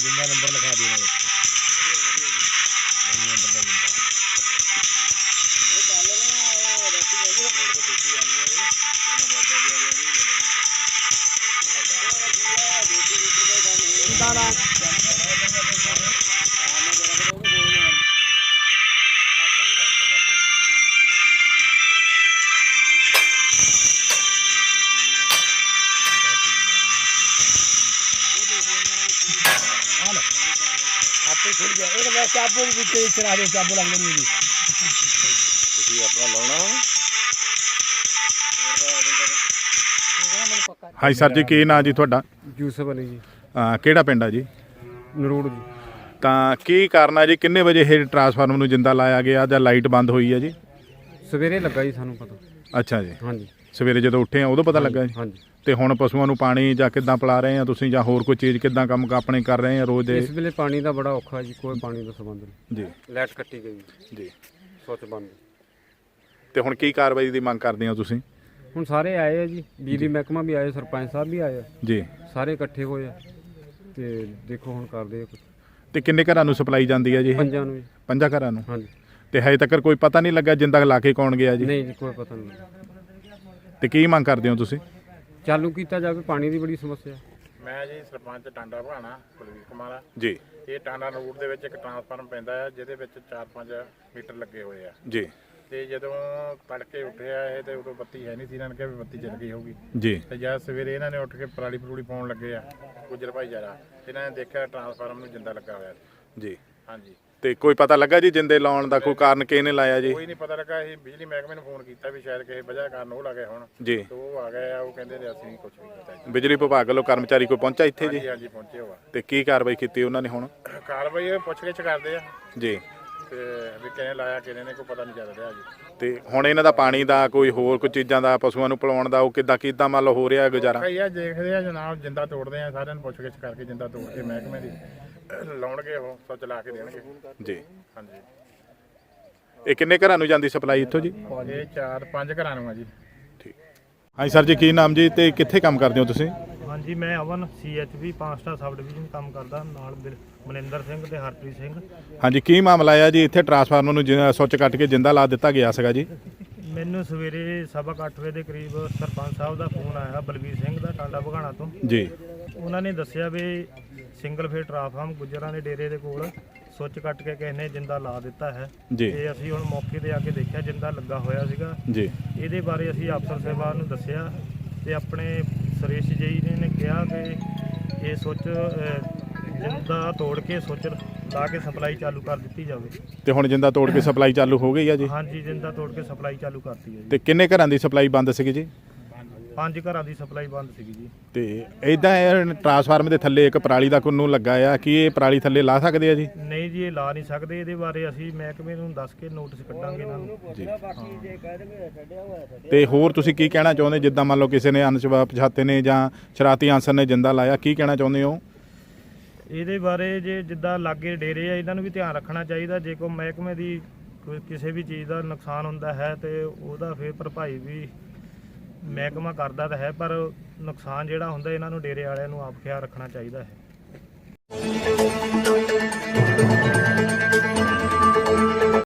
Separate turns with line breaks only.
जिंदा नंबर लिखा दिया नंबर का जिंदा आपको खुल गया एक मैं चाबू भी चला दो चाबू लग नहीं जी ਤੁਸੀਂ ਆਪਣਾ ਲਾਉਣਾ
ਹਾਂਜੀ ਸਰ ਜੀ, ਕੀ ਨਾਂ ਜੀ ਤੁਹਾਡਾ?
ਯੂਸਫ ਅਲੀ ਜੀ।
ਕਿਹੜਾ ਪਿੰਡ ਆ ਜੀ?
ਨਰੂੜ ਜੀ।
ਤਾਂ ਕੀ ਕਾਰਨ ਆ ਜੀ, ਕਿੰਨੇ ਵਜੇ ਇਹ ਟਰਾਂਸਫਾਰਮਰ ਨੂੰ ਜਿੰਦਾ ਲਾਇਆ ਗਿਆ ਜਾਂ ਲਾਈਟ ਬੰਦ ਹੋਈ ਹੈ ਜੀ?
ਸਵੇਰੇ ਲੱਗਾ ਜੀ ਸਾਨੂੰ ਪਤਾ।
ਅੱਛਾ ਜੀ,
ਹਾਂਜੀ
ਸਵੇਰੇ ਜਦੋਂ ਉੱਠੇ ਆ ਉਦੋਂ ਪਤਾ ਲੱਗਾ ਜੀ?
ਹਾਂਜੀ।
ਤੇ ਹੁਣ ਪਸ਼ੂਆਂ ਨੂੰ ਪਾਣੀ ਜਾਂ ਕਿੱਦਾਂ ਪਿਲਾ ਰਹੇ ਆ ਤੁਸੀਂ, ਜਾਂ ਹੋਰ ਕੋਈ ਚੀਜ਼ ਕਿੱਦਾਂ ਕੰਮ ਆਪਣੇ ਕਰ ਰਹੇ ਆ ਰੋਜ਼ ਦੇ?
ਇਸ ਵੇਲੇ ਪਾਣੀ ਦਾ ਬੜਾ ਔਖਾ ਜੀ, ਕੋਈ ਪਾਣੀ ਦਾ ਸੰਬੰਧ ਨਹੀਂ
ਜੀ।
ਲਾਈਟ ਕੱਟੀ ਗਈ
ਜੀ,
ਸੁੱਚ ਬੰਦ।
ਤੇ ਹੁਣ ਕੀ ਕਾਰਵਾਈ ਦੀ ਮੰਗ ਕਰਦੇ ਹੋ ਤੁਸੀਂ?
ਹੁਣ ਸਾਰੇ ਆਏ ਆ ਜੀ, ਬਿਜਲੀ ਮਹਿਕਮਾ ਵੀ ਆਏ, ਸਰਪੰਚ ਸਾਹਿਬ ਵੀ ਆਏ ਆ
ਜੀ,
ਸਾਰੇ ਇਕੱਠੇ ਹੋਏ ਆ ਤੇ ਦੇਖੋ ਹੁਣ ਕਰਦੇ ਆ ਕੁਝ।
ਤੇ ਕਿੰਨੇ ਘਰਾਂ ਨੂੰ ਸਪਲਾਈ ਜਾਂਦੀ ਹੈ ਜੀ?
ਪੰਜਾਂ ਨੂੰ ਜੀ।
5 ਘਰਾਂ ਨੂੰ?
ਹਾਂਜੀ।
ਤੇ ਹਜੇ ਤੱਕ ਕੋਈ ਪਤਾ ਨਹੀਂ ਲੱਗਾ ਜਿੰਦਾ ਲਾ ਕੇ ਕੌਣ ਗਿਆ ਜੀ?
ਨਹੀਂ ਜੀ, ਕੋਈ ਪਤਾ ਨਹੀਂ।
ਤੇ ਕੀ ਮੰਗ ਕਰਦੇ ਹੋ ਤੁਸੀਂ?
ਚਾਲੂ ਕੀਤਾ ਜਾਵੇ, ਪਾਣੀ ਦੀ ਬੜੀ ਸਮੱਸਿਆ।
ਮੈਂ ਜੀ ਸਰਪੰਚ ਟਾਂਡਾ ਭਾਣਾ ਕੁਲਵੀਰ ਕੁਮਾਰ
ਜੀ।
ਇਹ ਟਾਂਡਾ ਰੋਡ ਦੇ ਵਿੱਚ ਇੱਕ ਟਰਾਂਸਫਾਰਮ ਪੈਂਦਾ ਹੈ ਜਿਹਦੇ ਵਿੱਚ 4-5 ਮੀਟਰ ਲੱਗੇ ਹੋਏ ਆ
ਜੀ।
ਤੇ ਜਦੋਂ ਤੜਕੇ ਉੱਠਿਆ ਇਹ ਤੇ ਉਦੋਂ ਬੱਤੀ ਹੈ ਨਹੀਂ ਸੀ, ਇਹਨਾਂ ਨੇ ਕਿਹਾ ਵੀ ਬੱਤੀ ਚੱਲ ਗਈ ਹੋਊਗੀ
ਜੀ।
ਤੇ ਜਦ ਸਵੇਰੇ ਇਹਨਾਂ ਨੇ ਉੱਠ ਕੇ ਪਰਾਲੀ ਪਰੂਲੀ ਪਾਉਣ ਲੱਗੇ ਆ ਗੁੱਜਰ ਭਾਈਚਾਰਾ, ਇਹਨਾਂ ਨੇ ਦੇਖਿਆ ਟਰਾਂਸਫਾਰਮ ਨੂੰ ਜਿੰਦਾ ਲੱਗਾ ਹੋਇਆ
ਜੀ।
ਹਾਂਜੀ।
ਤੇ ਕੋਈ ਪਤਾ ਲੱਗਾ ਜੀ ਜਿੰਦੇ ਲਾਉਣ ਦਾ ਕੋਈ ਕਾਰਨ ਕਿਹਨੇ ਲਾਇਆ ਜੀ?
ਕੋਈ ਨਹੀਂ ਪਤਾ ਲੱਗਾ। ਇਹ ਬਿਜਲੀ ਮਹਿਕਮੇ ਨੂੰ ਫੋਨ ਕੀਤਾ ਵੀ ਸ਼ਾਇਦ ਕਿਸੇ ਵਜ੍ਹਾ ਕਾਰਨ ਉਹ ਲੱਗੇ ਹੁਣ
ਜੀ।
ਤੇ ਉਹ ਆ ਗਏ ਆ, ਉਹ ਕਹਿੰਦੇ ਨੇ ਅਸੀਂ ਕੁਝ ਵੀ ਕੀਤਾ ਜੀ।
ਬਿਜਲੀ ਵਿਭਾਗ ਵੱਲੋਂ ਕਰਮਚਾਰੀ ਕੋਈ ਪਹੁੰਚਾ ਇੱਥੇ ਜੀ?
ਹਾਂਜੀ ਹਾਂਜੀ ਪਹੁੰਚੇ ਹੋਆ।
ਤੇ ਕੀ ਕਾਰਵਾਈ ਕੀਤੀ ਉਹਨਾਂ ਨੇ ਹੁਣ?
ਕਾਰਵਾਈ ਇਹ ਪੁੱਛ ਗਿੱਛ ਕਰਦੇ ਆ
ਜੀ।
ਤੇ ਵੀ ਕਿਹਨੇ ਲਾਇਆ ਕਿਹਨੇ ਨੇ, ਕੋਈ ਪਤਾ ਨਹੀਂ ਚੱਲ ਰਿਹਾ ਜੀ।
ਤੇ ਹੁਣ ਇਹਨਾਂ ਦਾ ਪਾਣੀ ਦਾ ਕੋਈ ਹੋਰ ਕੋਈ ਚੀਜ਼ਾਂ ਦਾ ਪਸ਼ੂਆਂ ਨੂੰ ਪਿਲਾਉਣ ਦਾ ਉਹ ਕਿੱਦਾਂ ਮੰਨ ਲਓ ਹੋ ਰਿਹਾ ਗੁਜ਼ਾਰਾ?
ਕਈ ਆ ਦੇਖਦੇ ਆ ਜਨਾਬ, ਜਿੰਦਾ ਤੋੜਦੇ ਆ, ਸਾਰਿਆਂ ਨੂੰ ਪੁੱਛ ਗਿੱਛ ਕਰਕੇ ਜਿੰਦਾ ਤੋੜ ਕੇ ਮਹਿਕਮੇ ਦੀ ਲਾਉਣਗੇ, ਉਹ ਸੁੱਚ ਲਾ ਕੇ ਦੇਣਗੇ
ਜੀ।
ਹਾਂਜੀ।
ਇਹ ਕਿੰਨੇ ਘਰਾਂ ਨੂੰ ਜਾਂਦੀ ਸਪਲਾਈ ਇੱਥੋਂ ਜੀ?
ਇਹ 4-5 ਘਰਾਂ ਨੂੰ ਆ ਜੀ।
ਠੀਕ। ਹਾਂਜੀ ਸਰ ਜੀ, ਕੀ ਨਾਮ ਜੀ ਤੇ ਕਿੱਥੇ ਕੰਮ ਕਰਦੇ ਹੋ ਤੁਸੀਂ?
ਹਾਂਜੀ, ਮੈਂ ਅਵਨ CHP 5 ਸਟਾਰ ਸਬ ਡਿਵੀਜ਼ਨ ਕੰਮ ਕਰਦਾ, ਨਾਲ ਮਨਿੰਦਰ ਸਿੰਘ ਤੇ ਹਰਪ੍ਰੀਤ ਸਿੰਘ।
ਹਾਂਜੀ, ਕੀ ਮਾਮਲਾ ਆ ਜੀ? ਇੱਥੇ ਟਰਾਂਸਫਾਰਮਰ ਨੂੰ ਸੁੱਚ ਕੱਟ ਕੇ ਜਿੰਦਾ ਲਾ ਦਿੱਤਾ ਗਿਆ ਸੀਗਾ ਜੀ।
ਮੈਨੂੰ ਸਵੇਰੇ 8:30 ਵਜੇ ਦੇ ਕਰੀਬ ਸਰਪੰਚ ਸਾਹਿਬ ਦਾ ਫੋਨ ਆਇਆ, ਬਲਵੀਰ ਸਿੰਘ ਦਾ, ਟਾਂਡਾ ਭਗਾਣਾ ਤੋਂ
ਜੀ।
ਉਹਨਾਂ ਨੇ ਦੱਸਿਆ ਵੀ ਸਿੰਗਲ ਫੇਸ ਟਰਾਂਸਫਾਰਮ ਗੁੱਜਰਾਂ ਦੇ ਡੇਰੇ ਦੇ ਕੋਲ ਸੁੱਚ ਕੱਟ ਕੇ ਕਿਸੇ ਨੇ ਜਿੰਦਾ ਲਾ ਦਿੱਤਾ ਹੈ।
ਜੀ।
ਤੇ ਅਸੀਂ ਹੁਣ ਮੌਕੇ ਤੇ ਆ ਕੇ ਦੇਖਿਆ, ਜਿੰਦਾ ਲੱਗਾ ਹੋਇਆ ਸੀਗਾ
ਜੀ।
ਇਹਦੇ ਬਾਰੇ ਅਸੀਂ ਅਫਸਰ ਸਾਹਿਬਾਨ ਨੂੰ ਦੱਸਿਆ ਤੇ ਆਪਣੇ ਸੁਰੇਸ਼ ਜੀ ਨੇ ਕਿਹਾ ਕਿ ਇਹ ਸੁੱਚ ਜਿੰਦਾ ਤੋੜ ਕੇ ਸੁੱਚ ਲਾ ਕੇ ਸਪਲਾਈ ਚਾਲੂ ਕਰ ਦਿੱਤੀ ਜਾਵੇ।
ਤੇ ਹੁਣ ਜਿੰਦਾ ਤੋੜ ਕੇ ਸਪਲਾਈ ਚਾਲੂ ਹੋ ਗਈ ਆ ਜੀ?
ਹਾਂਜੀ, ਜਿੰਦਾ ਤੋੜ ਕੇ ਸਪਲਾਈ ਚਾਲੂ ਕਰਤੀ ਹੈ ਜੀ।
ਤੇ ਕਿੰਨੇ ਘਰਾਂ ਦੀ ਸਪਲਾਈ ਬੰਦ ਸੀਗੀ ਜੀ?
5 ਘਰਾਂ ਦੀ ਸਪਲਾਈ ਬੰਦ ਸੀਗੀ ਜੀ।
ਤੇ ਇਦਾਂ ਟਰਾਂਸਫਾਰਮਰ ਦੇ ਥੱਲੇ ਇੱਕ ਪਰਾਲੀ ਦਾ ਕੁੰਨੂ ਲੱਗਾ ਆ, ਕੀ ਇਹ ਪਰਾਲੀ ਥੱਲੇ ਲਾ ਸਕਦੇ ਆ ਜੀ?
ਨਹੀਂ ਜੀ, ਇਹ ਲਾ ਨਹੀਂ ਸਕਦੇ। ਇਹਦੇ ਬਾਰੇ ਅਸੀਂ ਮਹਿਕਮੇ ਨੂੰ ਦੱਸ ਕੇ ਨੋਟਿਸ ਕੱਢਾਂਗੇ ਇਹਨਾਂ ਨੂੰ
ਜੀ। ਤੇ ਹੋਰ ਤੁਸੀਂ ਕੀ ਕਹਿਣਾ ਚਾਹੁੰਦੇ, ਜਿੱਦਾਂ ਮੰਨ ਲਓ ਕਿਸੇ ਨੇ ਅਣਪਛਾਤੇ ਨੇ ਜਾਂ ਸ਼ਰਾਰਤੀ ਅਨਸਰ ਨੇ ਜਿੰਦਾ ਲਾਇਆ, ਕੀ ਕਹਿਣਾ ਚਾਹੁੰਦੇ ਹੋ
ਇਹਦੇ ਬਾਰੇ? ਜੇ ਜਿੱਦਾਂ ਲਾਗੇ ਡੇਰੇ ਆ, ਇਹਨਾਂ ਨੂੰ ਵੀ ਧਿਆਨ ਰੱਖਣਾ ਚਾਹੀਦਾ। ਜੇ ਕੋਈ ਮਹਿਕਮੇ ਦੀ ਕੋਈ ਕਿਸੇ ਵੀ ਚੀਜ਼ ਦਾ ਨੁਕਸਾਨ ਹੁੰਦਾ ਹੈ ਤੇ ਉਹਦਾ ਫਿਰ ਭਰਪਾਈ ਵੀ ਮਹਿਕਮਾ ਕਰਦਾ ਤਾਂ ਹੈ, ਪਰ ਨੁਕਸਾਨ ਜਿਹੜਾ ਹੁੰਦਾ ਇਹਨਾਂ ਨੂੰ ਡੇਰੇ ਵਾਲਿਆਂ ਨੂੰ ਆਪ ਖਿਆਲ ਰੱਖਣਾ ਚਾਹੀਦਾ ਹੈ।